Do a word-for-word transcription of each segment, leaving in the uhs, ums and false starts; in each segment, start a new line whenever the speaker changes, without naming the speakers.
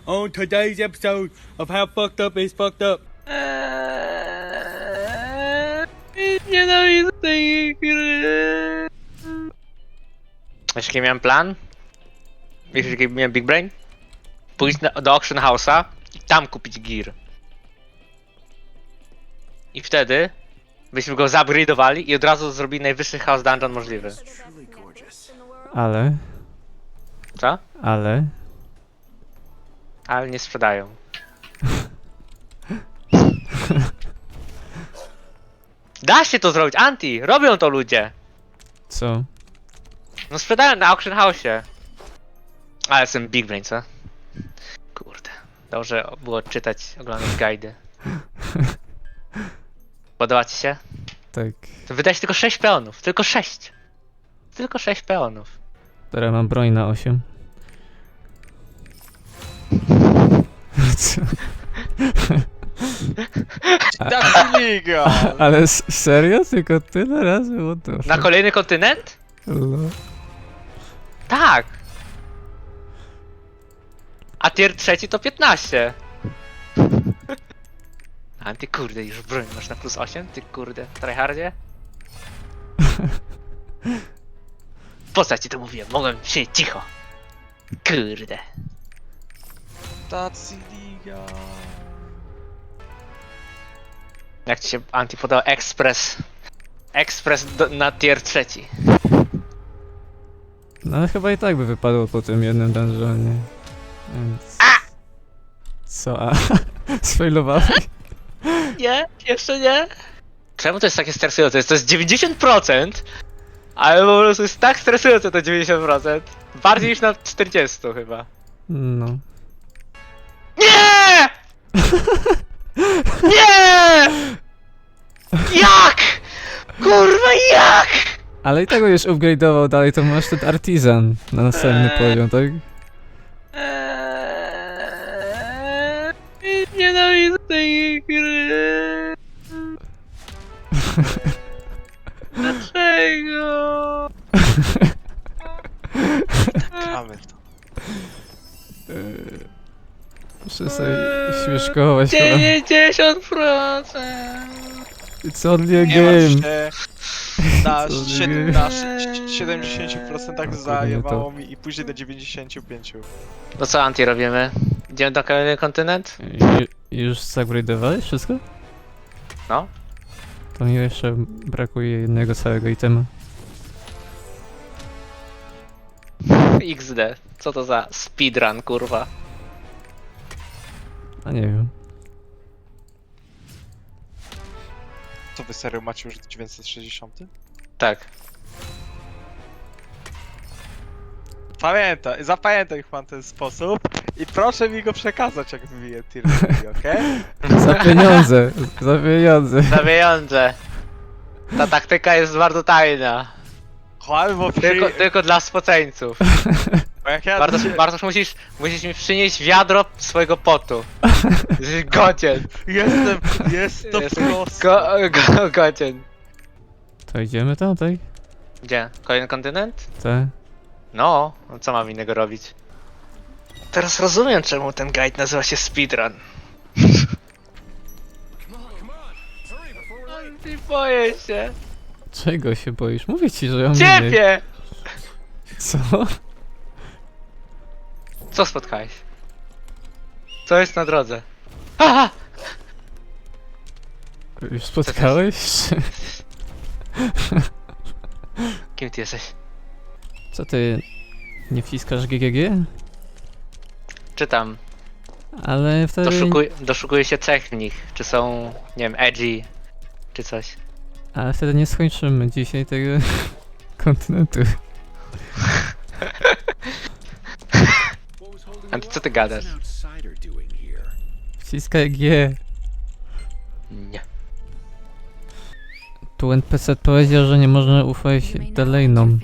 on today's episode of How Fucked Up is Fucked Up.
Eee, nienawidzę tej gry. Wiesz jaki miałem plan? Wiesz jaki miałem Big Brain? Pójść na, do Auction House'a i tam kupić gear. I wtedy byśmy go zupgrade'owali i od razu zrobili najwyższy house dungeon możliwy.
Ale,
Co?
ale...
Ale nie sprzedają. Da się to zrobić, Anti! Robią to ludzie!
Co?
No sprzedają na Auction House'ie. Ale jestem Big Brain, co? Kurde. Dobrze było czytać, oglądać guidy. Podoba ci się?
Tak.
To wydać tylko sześć peonów. Tylko sześć. Tylko sześć peonów.
Teraz mam broń na osiem. Co?
That's illegal!
Ale s- serio? Tylko tyle razy? What the
Na
fuck?
kolejny kontynent?
No.
Tak. A tier trzeci to piętnaście. A ty kurde, już broń masz na plus osiem? Ty kurde, tryhardzie? Po co ci to mówiłem? Mogłem siedzieć cicho. Kurde.
That's illegal!
Jak ci się Anti podał Express? Express do, na tier trzeci.
No ale chyba i tak by wypadło po tym jednym dungeonie. Więc... Co? A? Sfailowałeś?
Nie, jeszcze nie. Czemu to jest takie stresujące? To jest dziewięćdziesiąt procent, ale po prostu jest tak stresujące to dziewięćdziesiąt procent. Bardziej niż na czterdzieści chyba.
No.
Nie! Nie! Jak? Kurwa jak?
Ale i tak go już upgrade'ował dalej, to masz ten artisan na następny
Eee.
poziom, tak?
Eee, nienawidzę tej gry. Dlaczego?
Gramy w to.
Muszę sobie śmieszkować chyba.
dziewięćdziesiąt procent.
It's only a
Nie martw
game.
się. Na,
Co
siedem,
nie?
na sz- siedemdziesiąt procent zajebało mi i później do dziewięćdziesiąt pięć procent.
No co Anti robimy? Idziemy na kolejny kontynent?
I, już zupgrade'owałeś wszystko?
No.
To mi jeszcze brakuje jednego całego itema.
iks de. Co to za speedrun kurwa?
A nie wiem.
To wy serio macie już dziewięćset sześćdziesiąt?
Tak.
Pamiętaj, zapamiętaj pan ten sposób i proszę mi go przekazać jak wybiję tier, okej?
Za pieniądze, za pieniądze.
Za pieniądze. Ta taktyka jest bardzo tajna.
Chłopie, bo
Tylko,
przy...
tylko dla spoceńców.
bo jak ja
Bartosz,
się...
Bartosz musisz, musisz mi przynieść wiadro swojego potu. Jesteś godzien.
Jestem, jest to
Jest
proste.
Go, go, godzien.
To idziemy tam, tak?
Gdzie? Kolejny kontynent?
Tak.
No, no co mam innego robić? Teraz rozumiem, czemu ten guide nazywa się speedrun. Nie boję się.
Czego się boisz? Mówię ci, że ja mam mniej.
Ciebie!
Co?
Co spotkałeś? Co jest na drodze? Aha!
Już spotkałeś?
Kim ty jesteś?
Co ty, nie wciskasz G G G?
Czytam.
Ale wtedy...
Doszukuj, doszukuję się cech w nich. Czy są, nie wiem, edgy, czy coś.
Ale wtedy nie skończymy dzisiaj tego kontynentu.
A ty co ty gadasz?
Wciskaj G.
Nie.
Tu N P C powiedział, że nie można ufać Delainom.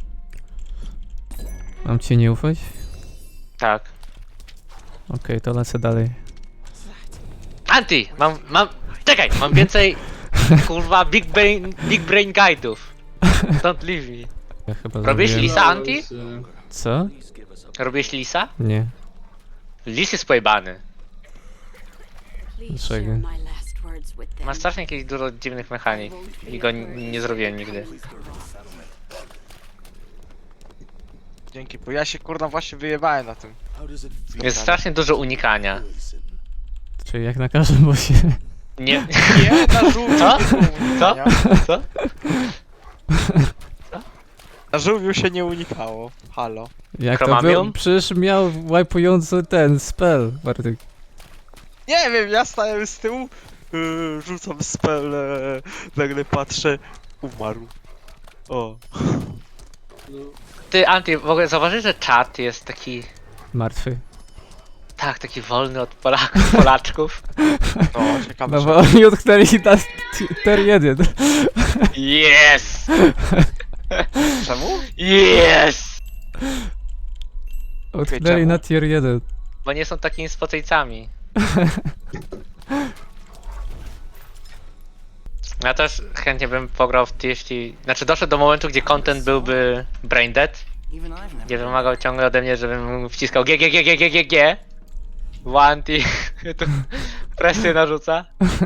Mam ci nie ufać?
Tak.
Okej, to lecę dalej.
Anti! Mam, mam... Czekaj! Mam więcej... Kurwa, big brain, big brain guide'ów. Don't leave me.
Ja chyba
Robisz
zrobiłem-
lisa, Anti?
Co?
Robisz lisa?
Nie.
Lis jest pojebany.
Dlaczego?
Ma strasznie jakieś dużo dziwnych mechanik i go n- nie zrobiłem nigdy.
Dzięki, bo ja się kurna właśnie wyjebałem na tym.
Jest strasznie dużo unikania.
Czyli jak na każdym bossie.
Nie...
Nie, na żółwiu
Co?
nie było unikania.
Co?
Na żółwiu się nie unikało. Halo.
Jak to
Chromamium?
był? Przecież miał wipujący ten spell, Bartek.
Nie wiem, ja stałem z tyłu, yy, rzucam spele, nagle patrzę, umarł. O.
Ty, Anty, w ogóle zauważysz, że czat jest taki...
Martwy.
Tak, taki wolny od Polaków, Polaczków.
No, ciekawe,
No
że...
bo oni utknęli na tier jeden.
Yes!
Czemu?
Yes!
Utknęli
czemu?
na tier jeden.
Bo nie są takimi spocejcami. Ja też chętnie bym pograł w T F T. Znaczy doszedł do momentu, gdzie content byłby brain dead. Gdzie wymagał ciągle ode mnie, żebym wciskał G, G, G, G, G, G, G. One T. Tu presję narzuca.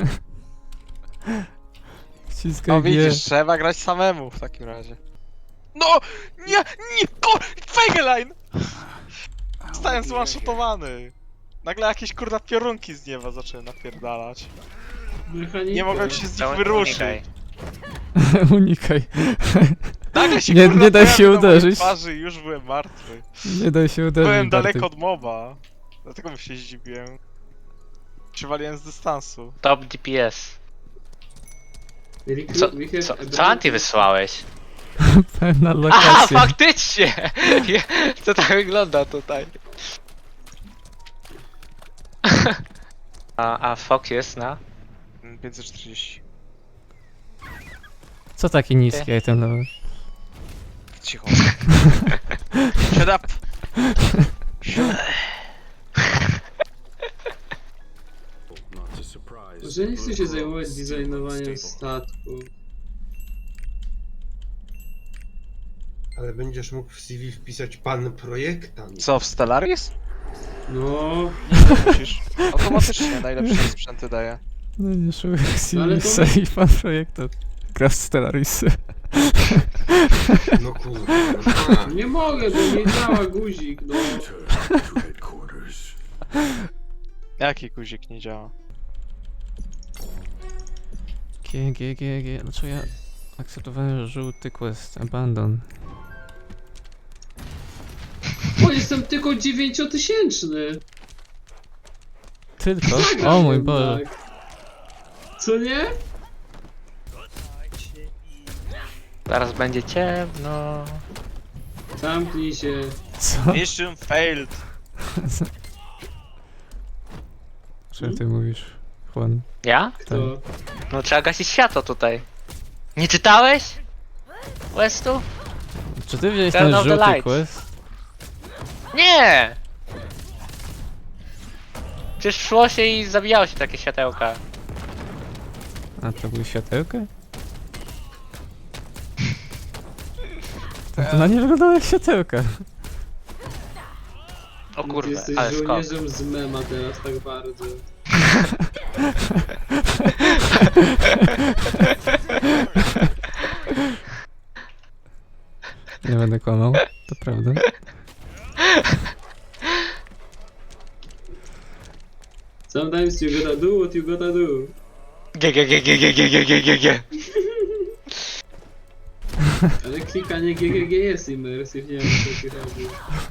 Wciskaj
No
G.
widzisz, trzeba grać samemu w takim razie. No! Nie! Nie! Ko! Fegeline! Zostałem zwanshotowany. Nagle jakieś kurna piorunki z nieba zaczęły napierdalać. Nie mogłem się z nich
Czemu-
wyruszyć.
unikaj.
Unikaj.
Nagle się
Nie-
kurna
nie daj się
pojawił na mojej
uderzyć.
twarzy i już byłem martwy.
Nie daj się uderzyć,
Byłem
Bartek.
daleko od moba. Dlatego mi się zdziwiłem. Przywaliłem z dystansu.
Top D P S. Co, co, co Anty wysłałeś?
Pewna
Aha,
lokacja.
faktycznie! Je- To tak wygląda tutaj. A, a Fox jest na?
Mm, pięćset czterdzieści.
Co taki niski item level?
Cicho. Shut up!
Że nie chcę się zajmować designowaniem statku.
Ale będziesz mógł w C V wpisać pan projektant.
Co, w Stellaris?
No,
Musisz. Automatycznie najlepsze sprzęty daje.
No nie szukaj
Ale to-
Sivisa i pan projektant. Gra w Stellarisy.
No kurwa.
nie mogę, bo nie działa guzik, no.
Jaki guzik nie działa?
G, G, G, G. Dlaczego ja akceptowałem żółty quest? Abandon.
O, jestem tylko dziewięciotysięczny.
Tylko? O mój Boże.
Tak. Co nie?
Zaraz będzie ciemno.
Zamknij się.
Co?
Mission failed.
Co ty mówisz, Juan?
Ja?
Kto?
No trzeba gasić światło tutaj. Nie czytałeś? Westu?
Czy ty wziąłeś
Turn
ten
off the
żółty
lights.
quest?
Nie! Przecież szło się i zabijało się takie światełka.
A to były światełka? To, to na nie wyglądało jak światełka.
O
Ty
kurde,
jesteś
ale skok.
żołnierzem z mema teraz tak bardzo.
Nie będę kłamał, to prawda.
Sometimes you gotta do what you gotta do.
G, G, G, G, G, G, G, G, G, G.
Ale klikanie G G G jest immersive, nie wiem co ci chodzi.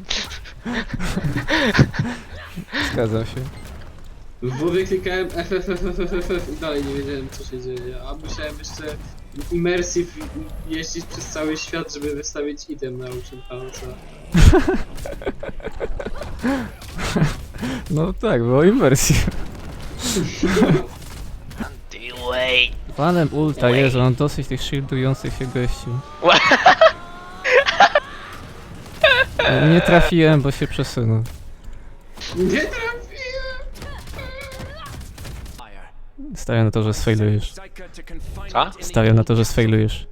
Zgadzam się.
W WoWie klikałem F F F F F F F i dalej nie wiedziałem co się dzieje, a musiałem jeszcze immersive jeździć przez cały świat, żeby wystawić item na uczyn palca.
No tak, było imersji.
Wait.
Panem ulta jest, mam dosyć tych shieldujących się gości. Nie trafiłem, bo się przesunął.
Nie trafiłem!
Stawiam na to, że sfailujesz.
Co?
Stawiam na to, że sfailujesz.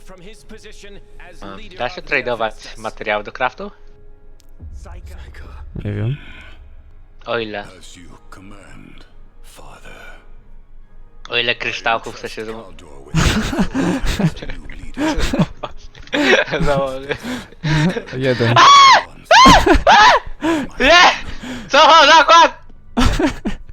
A, da się tradeować materiały do craftu?
Nie wiem.
O ile?
As you command, Father.
O ile kryształków chce się zam...
Caldor with the new leader.
założyć.
Jeden.
Nie! Co? Zakład!